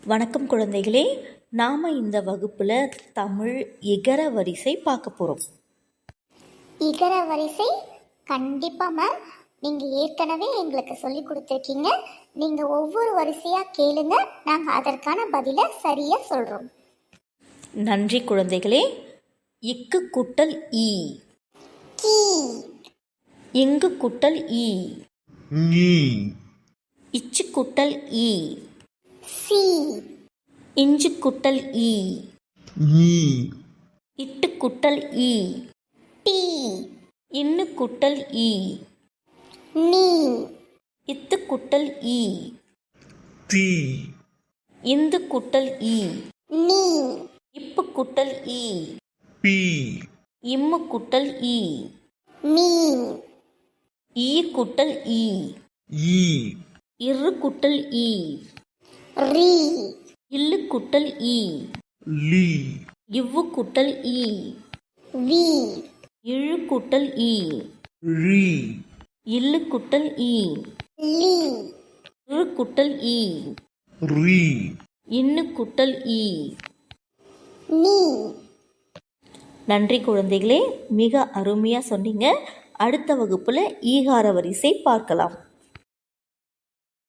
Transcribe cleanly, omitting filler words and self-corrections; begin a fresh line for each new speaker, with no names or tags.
வணக்கம் குழந்தைகளே, நாம் இந்த வகுப்பில் தமிழ் இகர வரிசை பார்க்க போகிறோம்.
இகர வரிசை கண்டிப்பாக மேம் நீங்கள் ஏற்கனவே எங்களுக்கு சொல்லி கொடுத்துருக்கீங்க. நீங்கள் ஒவ்வொரு வரிசையாக கேளுங்க, நாங்கள் அதற்கான பதிலை சரியாக சொல்கிறோம்.
நன்றி குழந்தைகளே. இக்கு குட்டல் ஈ,
கீ.
இங்கு குட்டல் ஈ,
நீ.
இச்சு குட்டல் ஈ,
சி.
இஞ்சு குட்டல் ஈ,
நீ.
இட்டு குட்டல் ஈ,
டி.
இன்னு குட்டல் ஈ,
நீ.
இத்து குட்டல் ஈ,
தி.
இந்து குட்டல் ஈ,
நீ.
இப்பு குட்டல் ஈ,
பி.
இம்மு குட்டல் ஈ,
மீ.
ஈ குட்டல் ஈ,
ஈ.
இரு குட்டல் ஈ,
ரீ.
இல்லு குட்டல் ஈ,
லி.
இவ்வு குட்டல் ஈ,
வி.
இழு குட்டல் ஈ,
ரி.
இல்லு குட்டல் ஈ,
லி.
இரு குட்டல் ஈ,
ரி.
இன்னு குட்டல் ஈ.
நீ.
நன்றி குழந்தைகளே, மிக அருமையாக சொன்னீங்க. அடுத்த வகுப்பில் ஈகார வரிசை பார்க்கலாம்.